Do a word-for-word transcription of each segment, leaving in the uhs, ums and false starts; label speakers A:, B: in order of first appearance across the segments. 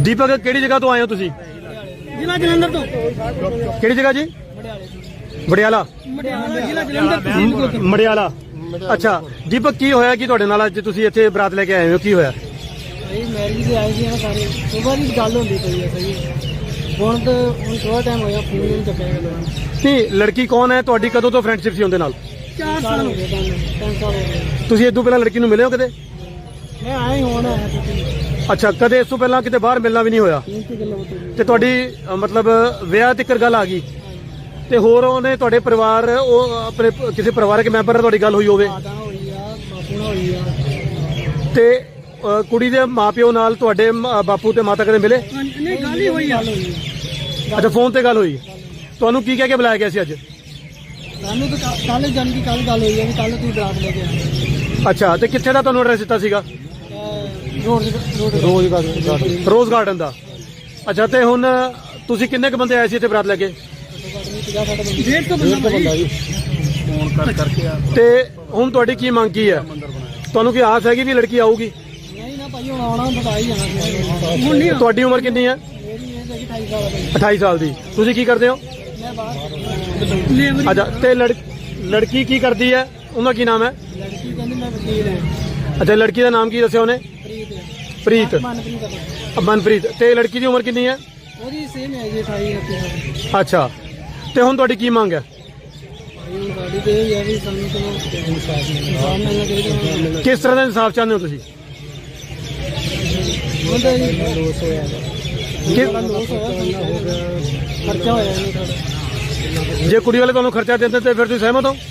A: ਦੀਪਕ ਕਿਹੜੀ ਜਗ੍ਹਾ ਤੋਂ ਆਏ ਹੋ ਤੁਸੀਂ?
B: ਜ਼ਿਲ੍ਹਾ ਜਲੰਧਰ ਤੋਂ।
A: ਕਿਹੜੀ ਜਗ੍ਹਾ ਜੀ? ਮੜਿਆਲਾ।
B: ਜ਼ਿਲ੍ਹਾ ਜਲੰਧਰ।
A: ਮੜਿਆਲਾ। ਅੱਛਾ ਦੀਪਕ ਕੀ ਹੋਇਆ ਕਿ ਤੁਹਾਡੇ ਨਾਲ ਅੱਜ ਤੁਸੀਂ ਇੱਥੇ ਬਰਾਤ ਲੈ ਕੇ ਆਏ ਹੋ, ਕੀ ਹੋਇਆ?
B: ਭਾਈ ਮੈਰਿਜ ਤੇ ਆਏ ਸੀ ਨਾ ਸਾਰੇ, ਸੁਬਾਹ ਦੀ ਗੱਲ ਹੁੰਦੀ ਪਈ ਹੈ ਸਹੀ। ਹੁਣ ਤਾਂ ਹੁਣ ਥੋੜਾ ਟਾਈਮ ਹੋਇਆ ਫੋਨ ਨਹੀਂ ਚੱਕਿਆ ਗਿਆ।
A: ਨਹੀਂ ਲੜਕੀ ਕੌਣ ਹੈ ਤੁਹਾਡੀ? ਕਦੋਂ ਤੋਂ ਫਰੈਂਡਸ਼ਿਪ ਸੀ ਉਹਦੇ ਨਾਲ?
B: ਚਾਰ ਸਾਲ ਹੋ ਗਏ ਤੁਹਾਨੂੰ, ਤਿੰਨ ਸਾਲ ਹੋ ਗਏ।
A: ਤੁਸੀਂ ਇਸ ਤੋਂ ਪਹਿਲਾਂ ਲੜਕੀ ਨੂੰ ਮਿਲੇ ਹੋ ਕਦੇ?
B: ਮੈਂ ਆਇਆ ਹੀ ਹੁਣ ਆਇਆ ਤੁਸੀਂ।
A: ਅੱਛਾ ਕਦੇ ਇਸ ਤੋਂ ਪਹਿਲਾਂ ਕਿਤੇ ਬਾਹਰ ਮਿਲਣਾ ਵੀ ਨਹੀਂ ਹੋਇਆ ਤੇ ਤੁਹਾਡੀ ਅ, ਮਤਲਬ ਵਿਆਹ ਤੱਕ ਗੱਲ ਆ ਗਈ ਤੇ ਹੋਰ ਉਹਨੇ ਤੁਹਾਡੇ ਪਰਿਵਾਰ ਉਹ ਆਪਣੇ ਕਿਸੇ ਪਰਿਵਾਰਕ ਮੈਂਬਰ ਨਾਲ ਤੁਹਾਡੀ ਗੱਲ ਹੋਈ ਹੋਵੇ
B: ਮਾਤਾ ਹੋਈ ਆ, ਬਾਪੂ ਨਾਲ ਹੋਈ ਆ
A: ਤੇ ਅ, ਕੁੜੀ ਦੇ ਮਾਪਿਓ ਨਾਲ ਤੁਹਾਡੇ ਮ- ਬਾਪੂ ਤੇ ਮਾਤਾ ਕਦੇ ਮਿਲੇ?
B: ਨਹੀਂ ਗੱਲ ਹੀ ਹੋਈ ਆ।
A: ਅੱਛਾ ਫੋਨ ਤੇ ਗੱਲ ਹੋਈ। ਤੁਹਾਨੂੰ ਕੀ ਕਹਿ ਕੇ ਬੁਲਾਇਆ ਗਿਆ ਸੀ ਅੱਜ?
B: ਸਾਨੂੰ ਤਾਂ ਕੱਲ ਜਨ ਦੀ ਕੱਲ ਗੱਲ ਹੋਈ ਹੈ ਕਿ ਕੱਲ ਤੁਸੀਂ ਬਰਾਤ ਲੈ ਕੇ ਆਏ।
A: ਅੱਛਾ ਤੇ ਕਿੱਥੇ ਦਾ ਤੁਹਾਨੂੰ ਐਡਰੈਸ ਦਿੱਤਾ ਸੀਗਾ?
B: Road Rose Garden.
A: Rose Garden ਦਾ। ਅੱਛਾ ਤੇ ਹੁਣ ਤੁਸੀਂ ਕਿੰਨੇ ਕੁ ਬੰਦੇ ਆਏ ਸੀ ਇੱਥੇ ਬਰਾਤ ਲੈ ਕੇ?
B: ਡੇਢ ਤੋਂ ਬੰਦਾ ਜੀ।
C: ਫੋਨ ਕਰ ਕਰਕੇ ਆ।
A: ਤੇ ਹੁਣ ਤੁਹਾਡੀ ਕੀ ਮੰਗ ਕੀ ਹੈ? ਤੁਹਾਨੂੰ ਕੀ ਆਸ ਹੈਗੀ ਵੀ ਲੜਕੀ ਆਊਗੀ?
B: ਨਹੀਂ ਨਾ ਭਾਈ ਹੁਣ ਆਉਣਾ ਬਤਾ ਹੀ ਜਾਣਾ ਸੀ। ਹੁਣ ਨਹੀਂ।
A: ਤੁਹਾਡੀ ਉਮਰ ਕਿੰਨੀ ਹੈ?
B: ਮੇਰੀ ਏਜ ਹੈਗੀ ਅਠਾਈ ਸਾਲ ਦੀ।
A: ਅਠਾਈ ਸਾਲ ਦੀ। ਤੁਸੀਂ ਕੀ ਕਰਦੇ ਹੋ?
B: ਮੈਂ ਬਾਹਰ ਲੇਬਰ।
A: ਅੱਛਾ ਤੇ ਲੜ ਲੜਕੀ ਕੀ ਕਰਦੀ ਹੈ? ਉਹਦਾ ਕੀ ਨਾਮ ਹੈ?
B: ਲੜਕੀ ਕਹਿੰਦੀ ਮੈਂ ਵਕੀਲ ਹਾਂ।
A: ਅੱਛਾ ਲੜਕੀ ਦਾ ਨਾਮ ਕੀ ਦੱਸਿਆ ਉਹਨੇ?
B: ਪ੍ਰੀਤ।
A: ਪ੍ਰੀਤ।
B: ਮਨਪ੍ਰੀਤ।
A: ਮਨਪ੍ਰੀਤ। ਤੇ ਲੜਕੀ ਦੀ ਉਮਰ ਕਿੰਨੀ ਹੈ?
B: ਉਹਦੀ ਸੇਮ ਹੈ ਜੀ ਅਠਾਈ ਉਨੱਤੀ ਸਾਲ।
A: ਅੱਛਾ ਤੇ ਹੁਣ ਤੁਹਾਡੀ ਕੀ ਮੰਗ ਹੈ?
B: ਭਾਈ ਹੁਣ ਸਾਡੀ ਤੇ ਇਹ ਹੈ ਵੀ ਸਾਨੂੰ ਚਲੋ ਇਨਸਾਫ ਮਿਲਣਾ ਚਾਹੀਦਾ।
A: ਕਿਸ ਤਰ੍ਹਾਂ ਦਾ ਇਨਸਾਫ ਚਾਹੁੰਦੇ ਹੋ ਤੁਸੀਂ?
B: ਹੁੰਦਾ ਜੀ ਲੋਸ ਹੋਇਆ
A: ਕਿ-
B: ਲੋਸ ਹੋਇਆ ਖਰਚਾ ਹੋਇਆ ਨਹੀਂ ਸਾਡਾ।
A: ਜੇ ਕੁੜੀ ਵਾਲੇ ਤੁਹਾਨੂੰ ਖਰਚਾ ਦਿੰਦੇ ਤੇ ਫਿਰ ਤੁਸੀਂ ਸਹਿਮਤ ਹੋ?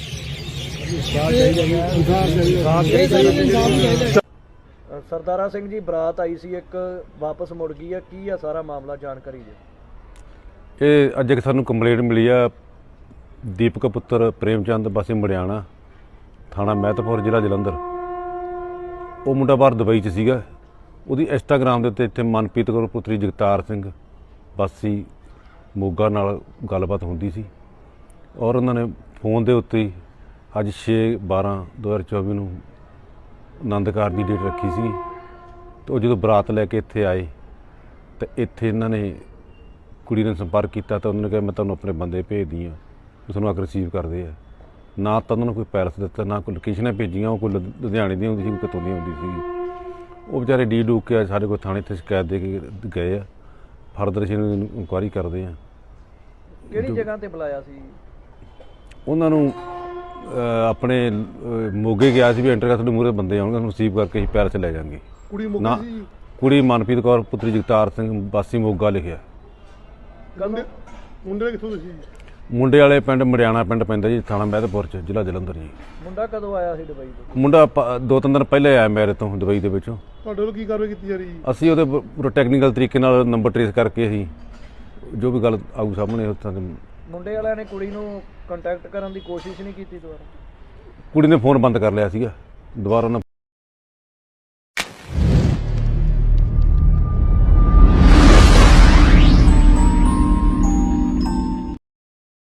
C: ਸਰਦਾਰਾ ਸਿੰਘ ਜੀ ਬਰਾਤ ਆਈ ਸੀ ਇੱਕ, ਵਾਪਸ ਮੁੜ ਗਈ ਆ, ਕੀ ਆ ਸਾਰਾ ਮਾਮਲਾ, ਜਾਣਕਾਰੀ ਦਿਓ।
D: ਇਹ ਅੱਜ ਇੱਕ ਸਾਨੂੰ ਕੰਪਲੇਂਟ ਮਿਲੀ ਆ ਦੀਪਕ ਪੁੱਤਰ ਪ੍ਰੇਮਚੰਦ ਵਾਸੀ ਮੜਿਆਣਾ, ਥਾਣਾ ਮਹਿਤਪੁਰ, ਜ਼ਿਲ੍ਹਾ ਜਲੰਧਰ। ਉਹ ਮੁੰਡਾ ਬਾਹਰ ਦੁਬਈ 'ਚ ਸੀਗਾ। ਉਹਦੀ ਇੰਸਟਾਗ੍ਰਾਮ ਦੇ ਉੱਤੇ ਇੱਥੇ ਮਨਪ੍ਰੀਤ ਕੌਰ ਪੁੱਤਰੀ ਜਗਤਾਰ ਸਿੰਘ ਵਾਸੀ ਮੋਗਾ ਨਾਲ ਗੱਲਬਾਤ ਹੁੰਦੀ ਸੀ ਔਰ ਉਹਨਾਂ ਨੇ ਫੋਨ ਦੇ ਉੱਤੇ ਹੀ ਅੱਜ ਛੇ ਬਾਰਾਂ ਦੋ ਹਜ਼ਾਰ ਚੌਵੀ ਨੂੰ ਆਨੰਦ ਕਾਰਜ ਦੀ ਡੇਟ ਰੱਖੀ ਸੀ। ਤੇ ਉਹ ਜਦੋਂ ਬਰਾਤ ਲੈ ਕੇ ਇੱਥੇ ਆਏ ਤਾਂ ਇੱਥੇ ਇਹਨਾਂ ਨੇ ਕੁੜੀ ਨੇ ਸੰਪਰਕ ਕੀਤਾ ਤਾਂ ਉਹਨਾਂ ਨੇ ਕਿਹਾ ਮੈਂ ਤੁਹਾਨੂੰ ਆਪਣੇ ਬੰਦੇ ਭੇਜਦੀ ਹਾਂ, ਉਹ ਤੁਹਾਨੂੰ ਆ ਕੇ ਰਿਸੀਵ ਕਰਦੇ ਆ। ਨਾ ਤਾਂ ਉਹਨਾਂ ਨੂੰ ਕੋਈ ਪੈਰਸ ਦਿੱਤਾ, ਨਾ ਕੋਈ ਲੋਕੇਸ਼ਨਾਂ ਭੇਜੀਆਂ। ਉਹ ਕੋਈ ਲੁ- ਲੁਧਿਆਣੇ ਦੀ ਹੁੰਦੀ ਸੀ, ਕੋਈ ਕਿਤੋਂ ਦੀ ਹੁੰਦੀ ਸੀ। ਉਹ ਵਿਚਾਰੇ ਡੀ ਡੂਕ ਕੇ ਸਾਡੇ ਕੋਲ ਥਾਣੇ 'ਤੇ ਸ਼ਿਕਾਇਤ ਦੇ ਕੇ ਗਏ ਆ। ਫਰਦਰ ਅਸੀਂ ਇਹਨਾਂ ਦੀ ਇਨਕੁਆਇਰੀ ਕਰਦੇ ਆ।
C: ਕਿਹੜੀ ਜਗ੍ਹਾ ਤੇ ਬੁਲਾਇਆ ਸੀ?
D: ਉਹਨਾਂ ਨੂੰ ਅਹ, ਆਪਣੇ ਅਹ, ਮੋਗੇ ਗਿਆ ਸੀ ਵੀ ਐਂਟਰ ਕਰ ਤੁਹਾਡੇ ਮੂਹਰੇ ਬੰਦੇ ਆਉਣਗੇ, ਉਹਨੂੰ ਰਿਸੀਵ ਕਰਕੇ ਅਸੀਂ ਪੈਰਸ ਲੈ ਜਾਵਾਂਗੇ।
A: ਕੁੜੀ
D: ਨਾ ਕੁੜੀ ਮਨਪ੍ਰੀਤ ਕੌਰ ਪੁੱਤਰੀ ਜਗਤਾਰ ਸਿੰਘ ਵਾਸੀ ਮੋਗਾ ਲਿਖਿਆ।
A: ਮੁੰਡੇ ਕਿੱਥੋਂ ਤੁਸੀਂ?
D: ਮੁੰਡੇ ਵਾਲੇ ਪਿੰਡ ਮੜਿਆਣਾ ਪਿੰਡ ਪੈਂਦਾ ਜੀ, ਥਾਣਾ ਮਹਿਤਪੁਰ 'ਚ, ਜ਼ਿਲ੍ਹਾ ਜਲੰਧਰ ਜੀ।
C: ਮੁੰਡਾ ਕਦੋਂ ਆਇਆ ਸੀ ਦੁਬਈ ਤੋਂ?
D: ਮੁੰਡਾ ਪ- ਦੋ ਤਿੰਨ ਦਿਨ ਪਹਿਲੇ ਆਇਆ ਮੇਰੇ ਤੋਂ ਦੁਬਈ ਦੇ ਵਿੱਚੋਂ।
A: ਤੁਹਾਡੇ ਵੱਲੋਂ ਕੀ ਕਾਰਵਾਈ ਕੀਤੀ ਜਾ ਰਹੀ ਹੈ?
D: ਅਸੀਂ ਉਹਦੇ ਪ- ਪੂਰਾ ਟੈਕਨੀਕਲ ਤਰੀਕੇ ਨਾਲ ਨੰਬਰ ਟ੍ਰੇਸ ਕਰਕੇ ਅਸੀਂ ਜੋ ਵੀ ਗੱਲ ਆਊ ਸਾਹਮਣੇ ਉੱਥਾਂ ਦੇ।
C: ਮੁੰਡੇ ਵਾਲਿਆਂ ਨੇ ਕੁੜੀ ਨੂੰ ਕੰਟੈਕਟ ਕਰਨ ਦੀ ਕੋਸ਼ਿਸ਼ ਨਹੀਂ ਕੀਤੀ ਦੁਬਾਰਾ?
D: ਕੁੜੀ ਨੇ ਫੋਨ ਬੰਦ ਕਰ ਲਿਆ ਸੀਗਾ, ਦੁਬਾਰਾ ਉਹਨਾਂ